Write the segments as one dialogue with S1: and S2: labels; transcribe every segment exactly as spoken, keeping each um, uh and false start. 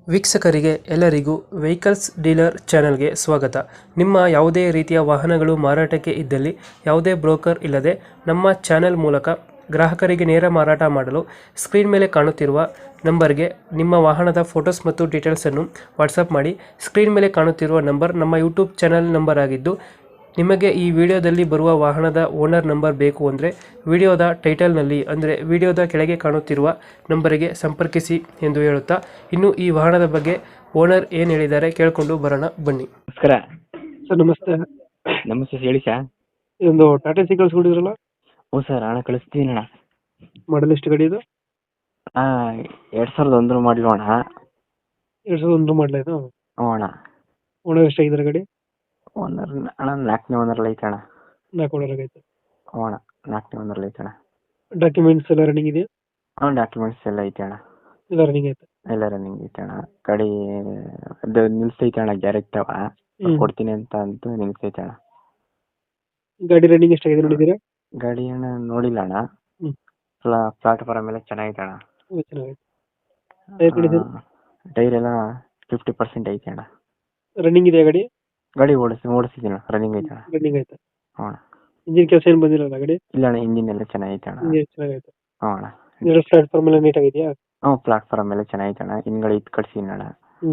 S1: ವೀಕ್ಷಕರಿಗೆ ಎಲ್ಲರಿಗೂ vehicles dealer ಚಾನೆಲ್ಗೆ ಸ್ವಾಗತ. ನಿಮ್ಮ ಯಾವುದೇ ರೀತಿಯ ವಾಹನಗಳು ಮಾರಾಟಕ್ಕೆ ಇದ್ದಲ್ಲಿ ಯಾವುದೇ ಬ್ರೋಕರ್ ಇಲ್ಲದೆ ನಮ್ಮ ಚಾನೆಲ್ ಮೂಲಕ ಗ್ರಾಹಕರಿಗೆ ನೇರ ಮಾರಾಟ ಮಾಡಲು ಸ್ಕ್ರೀನ್ ಮೇಲೆ ಕಾಣುತ್ತಿರುವ ನಂಬರ್ಗೆ ನಿಮ್ಮ ವಾಹನದ ಫೋಟೋಸ್ ಮತ್ತು ಡೀಟೇಲ್ಸನ್ನು ವಾಟ್ಸಪ್ ಮಾಡಿ. ಸ್ಕ್ರೀನ್ ಮೇಲೆ ಕಾಣುತ್ತಿರುವ ನಂಬರ್ ನಮ್ಮ ಯೂಟ್ಯೂಬ್ ಚಾನೆಲ್ ನಂಬರ್ ಆಗಿದ್ದು, ನಿಮಗೆ ಈ ವಿಡಿಯೋದಲ್ಲಿ ಬರುವ ವಾಹನದ ಓನರ್ ನಂಬರ್ ಬೇಕು ಅಂದರೆ ವಿಡಿಯೋದ ಟೈಟಲ್ನಲ್ಲಿ ಅಂದರೆ ವಿಡಿಯೋದ ಕೆಳಗೆ ಕಾಣುತ್ತಿರುವ ನಂಬರಿಗೆ ಸಂಪರ್ಕಿಸಿ ಎಂದು ಹೇಳುತ್ತಾ, ಇನ್ನು ಈ ವಾಹನದ ಬಗ್ಗೆ ಓನರ್ ಏನು ಹೇಳಿದ್ದಾರೆ ಕೇಳಿಕೊಂಡು ಬರೋಣ ಬನ್ನಿ.
S2: ನಮಸ್ಕಾರ.
S1: ಸರ್ ನಮಸ್ತೆ.
S2: ನಮಸ್ತೆ ಹೇಳಿ ಸರ್.
S1: ಇದೊಂದು ಟಾಟಾ ಸಿ ಕಳಿಸ್ಕೊಡಿದ್ರಲ್ಲ,
S2: ಹ್ಞೂ ಸರ್, ಹಣ ಕಳಿಸ್ತೀನಿ ಅಣ್ಣ.
S1: ಮಾಡಲ್ ಎಷ್ಟು ಗಾಡಿ ಇದು?
S2: ಹಾಂ, ಎರಡು ಸಾವಿರದ ಒಂದರ ಮಾಡಲು ಅಣ್ಣ.
S1: ಎರಡು ಸಾವಿರದ ಒಂದು ಮಾಡಲ ಇದು?
S2: ಹ್ಞೂ ಅಣ್ಣ.
S1: ಓನರ್ ಎಷ್ಟಾಗಿದ್ದಾರೆ ಗಾಡಿ?
S2: ಓನರ್ ಅಣ್ಣ ನಾಲ್ಕನೇ ಓನರಲ್ಲಿ ಐತೆ ಅಣ್ಣ.
S1: ನಾಲ್ಕು ಓನರ್ ಆಗೈತೆ.
S2: ಹ್ಞೂ ಅಣ್ಣ, ನಾಲ್ಕನೇ ಓನರಲ್ಲಿ ಐತೆ ಅಣ್ಣ.
S1: ಡಾಕ್ಯುಮೆಂಟ್ಸ್ ಎಲ್ಲ ರನ್ನಿಂಗ್ ಇದೆಯಾ?
S2: ಹ್ಞೂ, ಡಾಕ್ಯುಮೆಂಟ್ಸ್ ಎಲ್ಲ ಐತೆ ಅಣ್ಣ.
S1: ಎಲ್ಲ ರನ್ನಿಂಗ್ ಐತೆ.
S2: ಎಲ್ಲ ರನ್ನಿಂಗ್ ಐತೆ ಅಣ್ಣ. ಗಾಡಿ ಅದು ನಿಲ್ಸೈತೆ ಅಣ್ಣ, ಗ್ಯಾರೇಜ್ ತವ ಕೊಡ್ತೀನಿ ಅಂತ ಅಂತೂ ನಿಲ್ಸೈತೆ ಅಣ್ಣ.
S1: ಗಾಡಿ ರನ್ನಿಂಗ್ ಎಷ್ಟಾಗಿದೆ ನೋಡಿದ್ದೀರಾ?
S2: ಗಾಡಿ ಅಣ್ಣ ನೋಡಿಲ್ಲ ಅಣ್ಣ.
S1: ಹ್ಮ್.
S2: ಪ್ಲಾ ಪ್ಲಾಟ್ಫಾರಮ್ ಎಲ್ಲ ಚೆನ್ನಾಗೈತೆ ಅಣ್ಣ.
S1: ಚೆನ್ನಾಗೈತೆ. Tyre condition?
S2: ಟೈರ್ ಎಲ್ಲ ಫಿಫ್ಟಿ ಪರ್ಸೆಂಟ್ ಐತೆ ಅಣ್ಣ.
S1: ರನ್ನಿಂಗ್ ಇದೆಯಾ ಗಾಡಿ?
S2: ಗಾಡಿ ಓಡಿಸಿ ಓಡಿಸಿದ್ದೀನಿ ರನ್ನಿಂಗ್ ಐತೆ ಅಣ್ಣ.
S1: ರನ್ನಿಂಗ್ ಐತೆ.
S2: ಹ್ಞೂ ಅಣ್ಣ.
S1: ಇಂಜಿನ್ ಕೆಲಸ ಏನು ಬಂದಿಲ್ಲ ಗಾಡಿ?
S2: ಇಲ್ಲ ಅಣ್ಣ, ಇಂಜಿನ್ ಎಲ್ಲ ಚೆನ್ನಾಗೈತೆ ಅಣ್ಣ.
S1: ಇಂಜಿನ್ ಚೆನ್ನಾಗೈತೆ.
S2: ಹ್ಞೂ ಅಣ್ಣ.
S1: ಎರಡು ಪ್ಲಾಟ್ಫಾರ್ಮ್ ಎಲ್ಲ ನೀಟಾಗಿದೆಯಾ?
S2: ಹ್ಞೂ, ಪ್ಲಾಟ್ಫಾರಮ್ ಎಲ್ಲ ಚೆನ್ನಾಗೈತೆ ಅಣ್ಣ. ಹಿಂದ್ಗಡೆ ಇದು ಕಟ್ಸಿದ್ದೀನಿ ಅಣ್ಣ.
S1: ಹ್ಞೂ.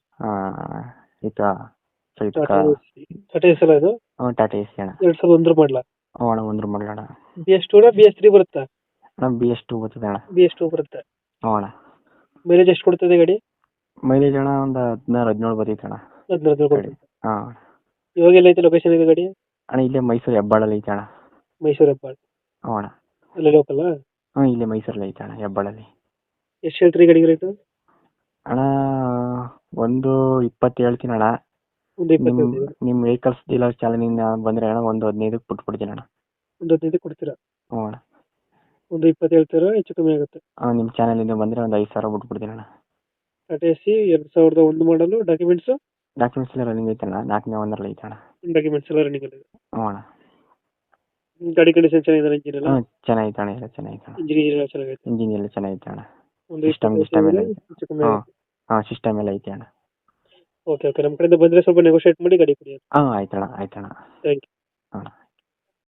S2: ಈಗ
S1: ಟಾಟಾ ಎಸ್ ಅಲ್ಲ ಇದು?
S2: ಹ್ಞೂ, ಟಾಟಾ ಎ ಸಿ ಅಣ್ಣ.
S1: ಎರಡು ಸಾವಿರದ ಒಂದರ ಮಾಡಲ?
S2: ಹ್ಞೂ ಅಣ್ಣ, ಒಂದ್ರ ಮಾಡಲ ಅಣ್ಣ.
S1: B S two B S three ಬರುತ್ತಾ?
S2: ಅಣ್ಣ ಬಿ ಎಸ್ ಟು ಬರ್ತದೆ ಅಣ್ಣ.
S1: ಬಿ ಎಸ್ ಟೂ ಬರುತ್ತೆ.
S2: ಹ್ಞೂ ಅಣ್ಣ.
S1: ಮೈಲೇಜ್ ಎಷ್ಟು ಕೊಡ್ತದೆ ಗಾಡಿ?
S2: ಮೈಲೇಜ್ ಅಣ್ಣ ಒಂದು ಹದಿನಾರು ಹದಿನೇಳು ಬರ್ತೈತೆ ಅಣ್ಣ.
S1: ಹದಿನಾರು ಕೊಡ್ತದೆ.
S2: ಹಾಂ.
S1: ಇವಾಗ ಎಲ್ಲ ಐತೆ ಲೊಕೇಶನ್ ಇದೆ ಗಾಡಿ?
S2: ಅಣ್ಣ ಇಲ್ಲೇ ಮೈಸೂರು ಹೆಬ್ಬಾಳಲ್ಲಿ ಐತೆ ಅಣ್ಣ.
S1: ಮೈಸೂರು ಹೆಬ್ಬಾಳ?
S2: ಹ್ಞೂ ಅಣ್ಣ.
S1: ಅಲ್ಲೇ ಲೋಕಲ್?
S2: ಹ್ಞೂ, ಇಲ್ಲೇ ಮೈಸೂರಲ್ಲಿ ಐತೆ ಅಣ್ಣ, ಹೆಬ್ಬಾಳಲ್ಲಿ.
S1: ಎಷ್ಟು ಹೇಳ್ತೀರಿ ಗಾಡಿಗೆ ರೇಟು?
S2: ಅಣ್ಣ ಒಂದು ಇಪ್ಪತ್ತು ಹೇಳ್ತೀನಿ ಅಣ್ಣ.
S1: ಒಂದು
S2: ನಿಮ್ಮ
S1: ಇಪ್ಪತ್ತೈದು?
S2: ನಿಮ್ಮ ವೆಹಿಕಲ್ಸ್ ಡೀಲರ್ ಚಾಲನಿಂದ ಬಂದರೆ ಅಣ್ಣ ಒಂದು ಹದಿನೈದಕ್ಕೆ ಬಿಟ್ಬಿಡ್ತೀನಿ ಅಣ್ಣ.
S1: ಒಂದು ಹದಿನೈದು ಕೊಡ್ತೀರಾ?
S2: ಹ್ಞೂ ಅಣ್ಣ.
S1: ಒಂದು ಇಪ್ಪತ್ತು ಹೇಳ್ತೀರಾ, ಹೆಚ್ಚು ಕಮ್ಮಿ ಆಗುತ್ತೆ?
S2: ಹಾಂ, ನಿಮ್ಮ ಚಾನಲಿಂದ ಬಂದರೆ ಒಂದು ಐದು ಸಾವಿರ ಬಿಟ್ಬಿಡ್ತೀನಿ ಅಣ್ಣ.
S1: ಟಾಟಾ ಎಸ್ ಸಿ ಎರಡು ಸಾವಿರದ ಒಂದು ಮಾಡಲು. ಡಾಕ್ಯುಮೆಂಟ್ಸು?
S2: ಡಾಕ್ಯುಮೆಂಟ್ಸ್ ಎಲ್ಲ ರನ್ನಿಂಗ್ ಐತೆ ಅಣ್ಣ, ನಾಲ್ಕನೇ ಒಂದರಲ್ಲಿ ಐತೆ ಅಣ್ಣ.
S1: ಡಾಕ್ಯುಮೆಂಟ್ಸ್ ಎಲ್ಲ ರನ್ನಿಂಗ್ ಇದೆ.
S2: ಹ್ಞೂ ಅಣ್ಣ.
S1: ಗಾಡಿ ಕಂಡೀಷನ್ ಚೆನ್ನಾಗಿದೆ? ಇಂಜಿನ್ ಎಲ್ಲ?
S2: ಹ್ಞೂ, ಚೆನ್ನಾಗೈತೆ ಅಣ್ಣ, ಎಲ್ಲ ಚೆನ್ನಾಗೈತೆ ಅಣ್ಣ.
S1: ಇಂಜಿನ್ ಎಲ್ಲ ಚೆನ್ನಾಗೈತೆ.
S2: ಇಂಜಿನ್ ಎಲ್ಲ ಚೆನ್ನಾಗೈತೆ ಅಣ್ಣ.
S1: ಒಂದು
S2: ಸಿಸ್ಟಮ್ ಸಿಸ್ಟಮ್ ಎಲ್ಲ ಐತೆ.
S1: ಹೆಚ್ಚು ಕಮ್ಮಿ
S2: ಹಾಂ
S1: ಆಗುತ್ತೆ.
S2: ಹಾಂ, ಸಿಸ್ಟಮ್ ಎಲ್ಲ ಐತೆ ಅಣ್ಣ.
S1: ಓಕೆ ಓಕೆ, ನಮ್ಮ ಕಡೆಯಿಂದ ಬಂದರೆ ಸ್ವಲ್ಪ ನೆಗೋಷಿಯೇಟ್ ಮಾಡಿ ಗಾಡಿ ಕೊಡಿ.
S2: ಹಾಂ, ಆಯ್ತಣ್ಣ ಆಯ್ತಣ್ಣ.
S1: Thank you.
S2: ಹಾಂ.